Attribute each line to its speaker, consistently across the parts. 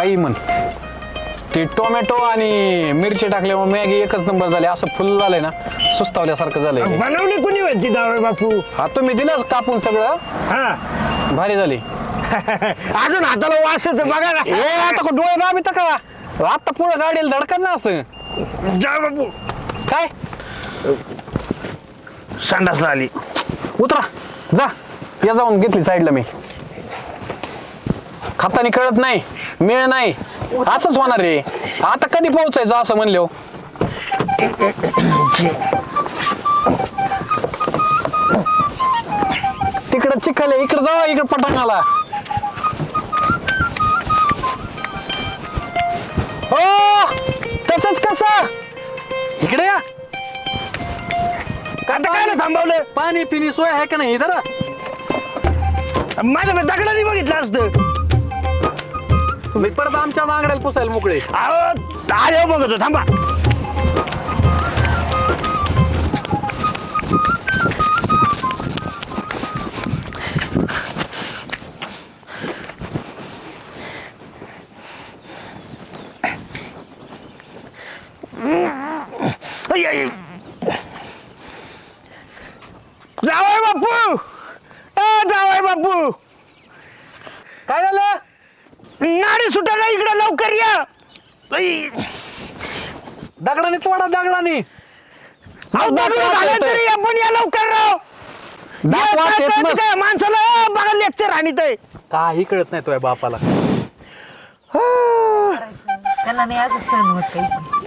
Speaker 1: काही म्हण. ते टोमॅटो आणि मिरची टाकल्यामुळे मॅगी एकच नंबर झाले. असं फुल झालंय ना, सुस्तावल्यासारखं झालंय.
Speaker 2: बनवली कुणी होती जावई बापू?
Speaker 1: हा तुम्ही दिलंच कापून सगळं,
Speaker 2: हा
Speaker 1: भारी झाली.
Speaker 2: अजून हाताला वास येतो बघा ना.
Speaker 1: ए आता डोळे दाबी का आता पुढं गाडीला धडकत ना असं.
Speaker 2: जा बापू,
Speaker 1: काय
Speaker 2: संडासला आली.
Speaker 1: उतरा जा, या जाऊन घेतली साईडला. मी खातानी कळत नाही, मिळ नाही, असंच होणार रे. आता कधी पोहोचायचं असं म्हणलो. तिकडं चिखल आहे, इकडे जावा, इकडे पटांगाला. हो तसंच कसं, इकडे या.
Speaker 2: आता काय थांबवलं?
Speaker 1: पाणी पिणी सोय आहे का नाही इथं?
Speaker 2: माझ्या दगडाने बघितलं असतं.
Speaker 1: तुम्ही परत आमच्या मागण्याला पुसायला मोकळे.
Speaker 2: अहो आले बघतो, थांबा. जावई बापू, जावई बापू,
Speaker 1: काय झालं?
Speaker 2: नाडी सुटायला इकडे लवकर या.
Speaker 1: दगडाने तोडा, दगडाने.
Speaker 2: अहो, दगड झालं तरी आपण या लवकर राव.
Speaker 1: दात वास येत नस.
Speaker 2: काय माणसाला बघा लेक्चर आणि ते
Speaker 1: काही कळत नाही तुझ्या बापाला.
Speaker 3: त्याला नाही आज सहन होत काही.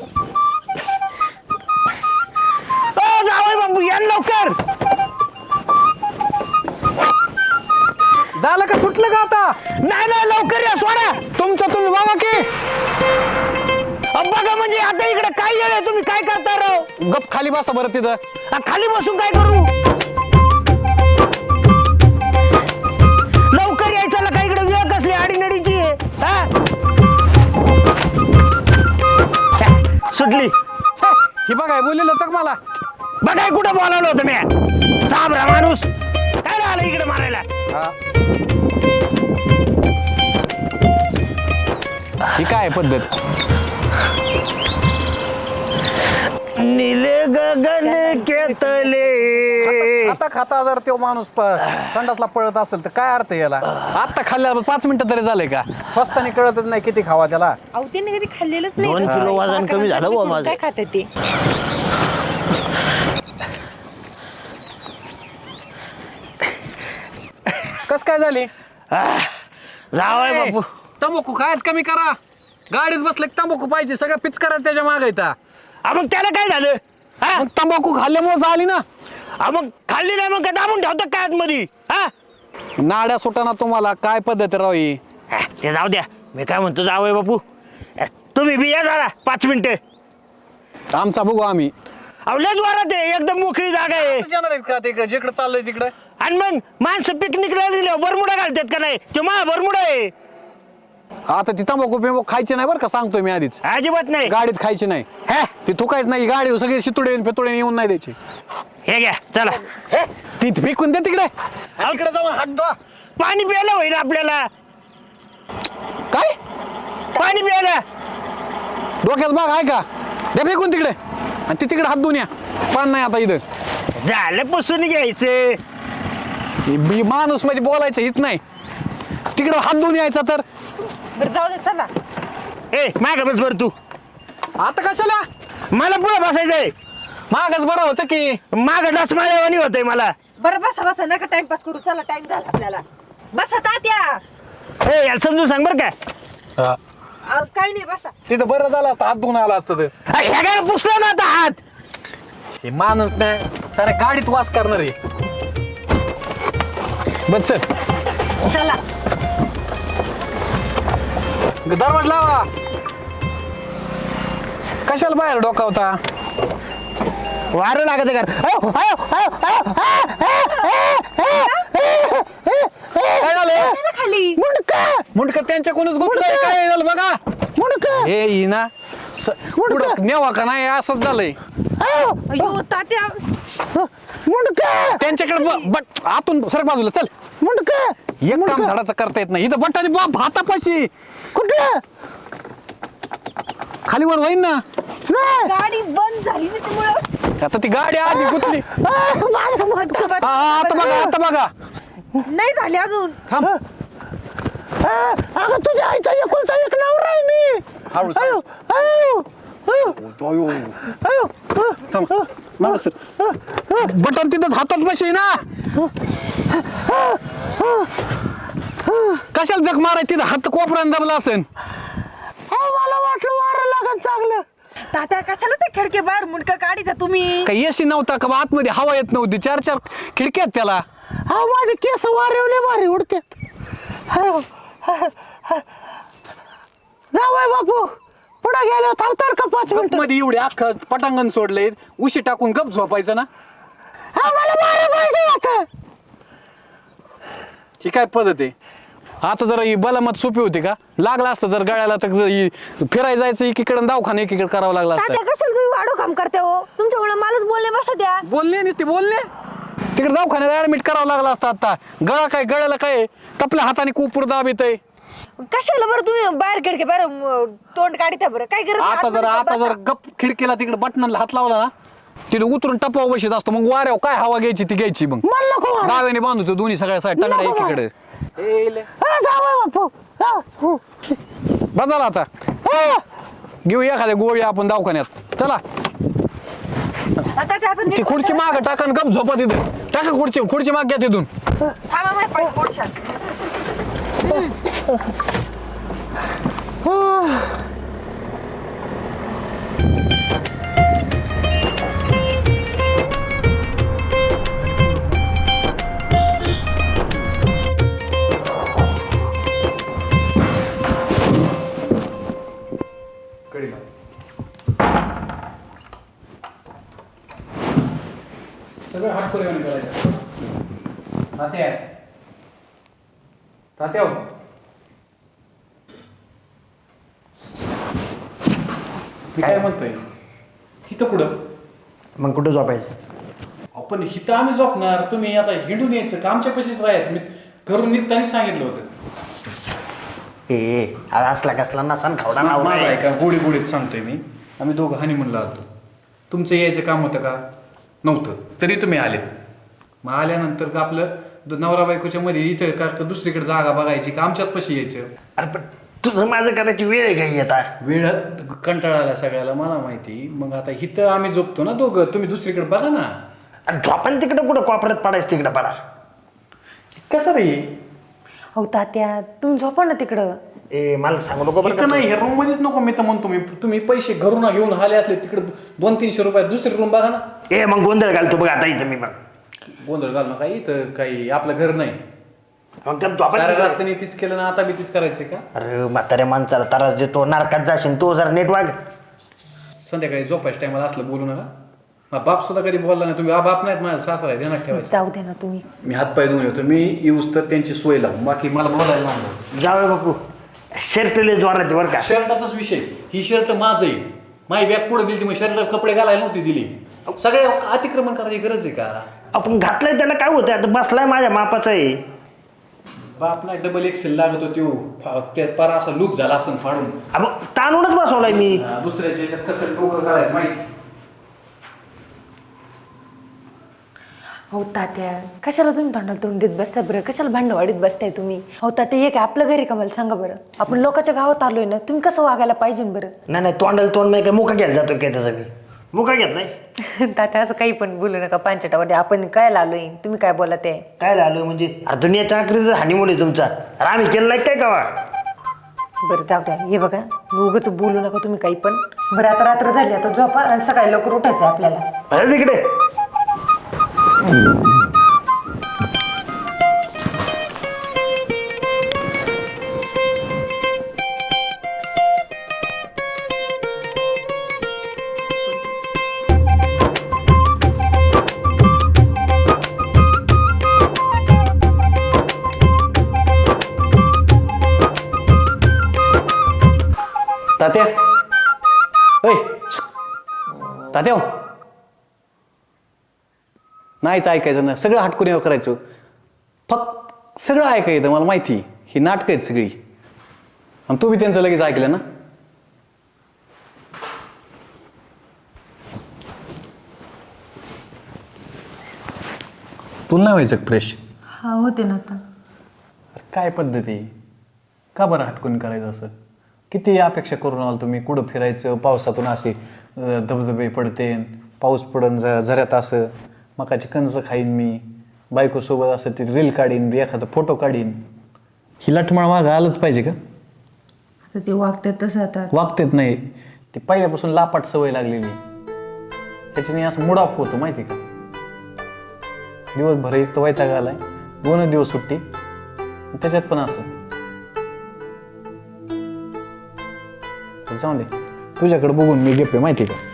Speaker 2: जावई बापू या लवकर.
Speaker 1: झालं का, सुटलं का आता?
Speaker 2: नाही नाही लवकर या, सोडा.
Speaker 1: तुमचं तुम्ही बघा की.
Speaker 2: बघा म्हणजे आता इकडे काय येळ आहे, तुम्ही काय करता राव?
Speaker 1: गप खाली बसा बरं तिथं.
Speaker 2: खाली बसून काय करू? लवकर यायचं का, इकडे वेळ कसली आडीनडीची आहे. सुटली.
Speaker 1: ही बघाय बोललेलं होतं का मला?
Speaker 2: बघाय कुठं बोलावलं होतं मी? साबरा माणूस काय आलं इकडे मारायला?
Speaker 1: ही काय पद्धत?
Speaker 2: नीले गगन केतले.
Speaker 1: खाता खाता जर तो माणूस संडासला पळत असेल तर काय अर्थ आहे याला? आता खाल्ल्या 5 मिनिटं तरी झाले का? स्वस्तानी कळतच नाही किती खावा त्याला.
Speaker 3: अहो त्यांनी कधी खाल्लेलंच नाही.
Speaker 2: 2 किलो वजन कमी झालं बुवा माझं.
Speaker 3: काय खातात ते?
Speaker 1: कस काय झाली?
Speaker 2: जावय बापू,
Speaker 1: तंबाखू खायच कमी करा. गाडीत बसले तंबाखू पाहिजे, सगळं पिचकारा त्याच्या मागे येतात.
Speaker 2: मग त्याला काय झालं?
Speaker 1: मग तंबाखू खाल्ल्यामुळे झाली ना.
Speaker 2: मग खाल्ली नाही मग काय दाबून ठेवतात काय आतमध्ये?
Speaker 1: नाड्या सुटाना तुम्हाला. काय पद्धत राव ही?
Speaker 2: ते जाऊ द्या. मी काय म्हणतो जावय बापू, तुम्ही बी या जरा 5 मिनिटं.
Speaker 1: आमचा बघू आम्ही.
Speaker 2: लयच वारात आहे, एकदम मोकळी जागा आहे.
Speaker 1: जाणार आहेत का तिकडे जिकडे चाललंय तिकडे?
Speaker 2: आणि मग माणसं पिकनिकला गेले बरमुडा घालतात का नाही? तो मा बरमुडा आहे.
Speaker 1: आता ती तंबाखू बिंबाखू खायची नाही बरं का, सांगतोय मी आधीच.
Speaker 2: अजिबात नाही.
Speaker 1: गाडीत खायची नाही. ती थुकायच नाही. गाडी सगळे शितुडे फितुडे येऊन नाही द्यायची.
Speaker 2: हे घ्या चला.
Speaker 1: ती फेकून दे तिकडे. तिकडे जाऊन हात धुवा.
Speaker 2: पाणी प्यायला होईल आपल्याला.
Speaker 1: काय
Speaker 2: पाणी प्यायला.
Speaker 1: डोक्यात बाग आहे का? दे फेकून तिकडे. आणि ती तिकडे हात धुवून या. पान नाही आता इथं.
Speaker 2: झालं पुसून घ्यायचं.
Speaker 1: ही माणूस म्हणजे बोलायचं हित नाही. तिकडे हात धुवून यायचा तर.
Speaker 3: बरं जाऊ दे चला.
Speaker 2: माग बस बर तू.
Speaker 1: आता कशाला?
Speaker 2: मला पुढे बसायचंय.
Speaker 1: मागच बरं होतं की.
Speaker 2: माग डस माळ्यावानी होतंय मला.
Speaker 3: बरं बसा बसा, नका टाइमपास करू. चला टाइम झाला आपल्याला. बसा तात्या.
Speaker 2: याला समजून सांग बर काय.
Speaker 3: काही नाही बसा.
Speaker 1: तिथं बरं झालं असतं, हात धुवून आला असतं तर.
Speaker 2: ह्या काय पुसला ना आता हात.
Speaker 1: हे माणूस नाही सारे गाडीत वास करणार आहे. बस चल.
Speaker 3: चला.
Speaker 1: दरवाज लावा. कशाला बाहेर डोकावता?
Speaker 2: वारं लागत का?
Speaker 1: काय झालं?
Speaker 3: खाली
Speaker 1: मुंडक त्यांच्याकडूनच गुंतलंय. काय झालं बघा.
Speaker 2: मुंडक
Speaker 1: हे ही ना पुढं नेवा का नाही असंच झालंय.
Speaker 3: अयो तात्या.
Speaker 2: मुंडक
Speaker 1: त्यांच्याकडे बट आतून सरक बाजूला चल.
Speaker 2: मुंडक
Speaker 1: एक काम धडाचं करता येत नाही इथं बटाने बाप हातापाशी
Speaker 2: कुठं
Speaker 1: खाली वर होईन ना.
Speaker 2: नाही.
Speaker 3: गाडी बंद झाली ना त्यामुळं
Speaker 1: आता ती गाडी आधी गुतली. आता बघा आता बघा.
Speaker 3: नाही झाली अजून.
Speaker 1: थांब.
Speaker 2: अगं तुझ्या आईचा एकुलता एक नवरा आहे मी.
Speaker 1: हळूच.
Speaker 2: अयो अयो अयो
Speaker 1: अयो.
Speaker 2: अयो
Speaker 1: थांब. मला सर. बटन तिथंच हातात बशी ना. कशाला जग माराय तिथं हात कोपऱ्यानं दबला असेल.
Speaker 2: मला वाटलं वारं लागत चांगलं.
Speaker 3: तात्या कशाला ते खिडकी बाहेर मुंडका काढी का तुम्ही?
Speaker 1: काही एसी नव्हता का आतमध्ये हवा येत नव्हती 4 खिडक्यात त्याला.
Speaker 2: हा माझे केस वारेवले भारी उडतात. जावय बापू पुढे गेलो थांबतर का 5 मिनिट
Speaker 1: मध्ये एवढे अख्खं पटांगण सोडले उशी टाकून गप झोपायचं ना.
Speaker 2: हा मला वारं पाहिजे आता.
Speaker 1: ही काय पद्धत आहे. आता जर ही बलामत सोपी होती का लागला असतं जर गळ्याला तर फिरायला जायचं एकीकडे दवाखाना एकीकडे करावं लागलं
Speaker 3: तात्या
Speaker 1: असतं.
Speaker 3: कशाला तुम्ही वाढो काम करते हो? तुमच्यामुळे मलाच बोलले बसा द्या.
Speaker 1: बोलले नसते बोलले तिकडे दवाखान्यात ऍडमिट करावं लागलं असतं. आता गळा काय गळ्याला काय तपल्या हाताने कुपूर दाब येतंय.
Speaker 3: कशाला बरं तुम्ही बाहेर खिडकी बाहेर तोंड काढता बरं? काय करत
Speaker 1: आता जर गप खिडकीला तिकडे बटनाला हात लावला ना तिथे उतरून टपाव बशीत असतो. मग वाऱ्यावर काय हवा घ्यायची ती घ्यायची. मग
Speaker 2: मला नको वारं.
Speaker 1: डाव्याने बांधतो दोन्ही सगळ्या साईड टांगड्या
Speaker 2: नको वारं.
Speaker 1: एकीकडे.
Speaker 2: हा, जावई बापू जाऊ.
Speaker 1: बघाला आता घेऊ एखाद्या गोळी आपण दवाखान्यात चला.
Speaker 3: तात्या आपण
Speaker 1: ती खुर्ची माग टाका गप झोपा तिथं. टाका खुर्ची माग घ्या तिथून.
Speaker 3: थांबा माझ्या पाय पोटशात.
Speaker 1: सगळं हात पुरेवाने करायचं. तात्या तात्या हो. मी काय म्हणतोय हिथं कुठं
Speaker 2: मग कुठं झोपायचं?
Speaker 1: आपण हिथं आम्ही झोपणार. तुम्ही आता हिंडून यायचं का आमच्या पशीच राहायचं. मी घरून निघतानाच सांगितलं होतं.
Speaker 2: अरे असला कसला नसान खावडा
Speaker 1: माझा आहे का गोडी गोडीत सांगतोय मी. आम्ही दोघं हनीमूनला आलतो. तुमचं यायचं काम होतं का नव्हतं तरी तुम्ही आलेत. मग आल्यानंतर का आपलं नवरा बायकोच्या मध्ये इथं का दुसरीकडे जागा बघायची का आमच्याच पशी यायचं.
Speaker 2: अरे पण तुझं माझं करायची वेळ आहे काही आता.
Speaker 1: वेळ कंटाळा आला सगळ्याला मला माहिती. मग आता इथं आम्ही झोपतो ना दोघं. तुम्ही दुसरीकडे बघा ना.
Speaker 2: अरे झोपान तिकडं कुठं कोपऱ्यात पडायचं तिकडं पडा.
Speaker 1: कसं रे
Speaker 3: हो तात्या तुम्ही झोपा ना तिकडं.
Speaker 2: मला सांगू नको बरं
Speaker 1: इथं
Speaker 2: का.
Speaker 1: नाही हे रूम मध्येच नको. मी तर म्हणतो तुम्ही पैसे घरून घेऊन आले असले तिकडे 200-300 रुपयात दुसरी रूम बघा ना.
Speaker 2: मग गोंधळ घालतो बघ आता इथं मी मग.
Speaker 1: गोंधळ घाल ना काही इथं काही आपलं घर नाही.
Speaker 2: मग त्या झोपान
Speaker 1: साऱ्या रस्त्याने तीच केलं ना आता बी तीच करायचंय का.
Speaker 2: अरे म्हाताऱ्या माणसाला त्रास देतो नरकात जाशील तो जरा नीट वाग.
Speaker 1: संध्याकाळी झोपायच्या टायमाला असलं बोलू नका. हा बाप सुद्धा कधी बोलला नाही. तुम्ही बाप नाहीत माझा सासरा आहे ध्यानात ठेवायचं.
Speaker 3: जाऊ दे ना तुम्ही.
Speaker 1: मी हातपाय धुवून येतो. मी येऊस तर त्यांची सोय लावून बाकी मला बोलायला लागलं.
Speaker 2: जावे बापू शर्ट लय जोराचे बरं का.
Speaker 1: शर्टाचाच विषय. ही शर्ट माझं आहे. माझी बॅग पुढे दिली मग शर्टात कपडे घालायला नव्हती दिली. सगळे अतिक्रमण करायची गरज आहे का.
Speaker 2: आपण घातलंय त्याला काय होतं आता बसलाय माझ्या मापाचा आहे.
Speaker 1: बाप नाही डबल एक्सेल लागत होती. पार असा लूक झाला असं फाडून.
Speaker 2: अब ताणूनच बसवलाय मी.
Speaker 1: दुसऱ्याच्या याच्यात कसं डोकं काढायचं माहिती.
Speaker 3: हो तात्या कशाला तुम्ही तोंडाला तोंड देत बसताय बरं? कशाला भांडवाडीत बसताय तुम्ही? हो तात्या हे काय आपलं घरी का मला सांगा बरं. आपण लोकांच्या गावात आलोय ना. तुम्ही कसं वागायला पाहिजे बरं?
Speaker 2: नाही तोंडाला तोंड नाही काय मुका घ्यायला जातो काय त्याचा मी. मुका घेतलाय
Speaker 3: तात्या असं काही पण बोलू नका. पांचटामध्ये आपण काय आलोय तुम्ही काय बोला ते.
Speaker 2: काय झालं म्हणजे. अरे दुनियाच्या आखरीचा हानिमून आहे तुमचा. अरे आम्ही केलं नाही काय कावा.
Speaker 3: बरं जाऊ द्या. हे बघा उगाच बोलू नका तुम्ही काही पण. बरं आता रात्र झाली आता झोपा आणि सकाळी लवकर उठायचं आपल्याला.
Speaker 2: अरे तिकडे
Speaker 1: तात्या ओय तात्या नाहीच ऐकायचं ना. सगळं हटकून करायचं. सगळं ऐका येतं मला माहिती. ही नाटकं आहेत सगळी. आणि तू बी त्यांचं लगेच ऐकलं ना. तुला नाही व्हायचं फ्रेश?
Speaker 3: हा होते ना आता.
Speaker 1: काय पद्धती, का बरं हटकून करायचं असं? किती अपेक्षा करून आलो तुम्ही, कुठं फिरायचं, पावसातून असे धबधबे पडते, पाऊस पडून झऱ्यात असं मकाची कणसं खाईन मी, बायकोसोबत असं ती रील काढीन, एखादा फोटो काढीन. ही लठमाळ मागं आलंच पाहिजे का?
Speaker 3: आता ते वागतात तसं आता.
Speaker 1: वागतेच नाही ती, पहिल्यापासून लापाट सवय लागलेली. त्याच्याने असं मूड ऑफ होतो माहिती का. दिवसभर एक तर वैताग आलाय, 2 दिवस सुट्टी, त्याच्यात पण असं. जाऊ दे, तुझ्याकडे बघून मी घेतोय माहिती का.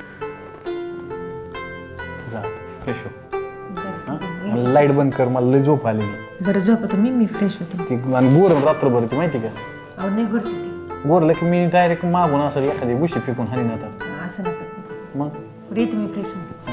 Speaker 1: जा फ्रेश हो. लाईट बंद कर, मला लय झोप आलेली.
Speaker 3: बरं झोपतो मी फ्रेश होते.
Speaker 1: ती आणि गोर रात्रभर ती माहिती का.
Speaker 3: अहो नाही करते ती.
Speaker 1: गोरलं की मी डायरेक्ट मागून असं एखादी गुशी फेकून हानी जातात.
Speaker 3: असं नका.
Speaker 1: मग
Speaker 3: येते मी फ्रेश होते.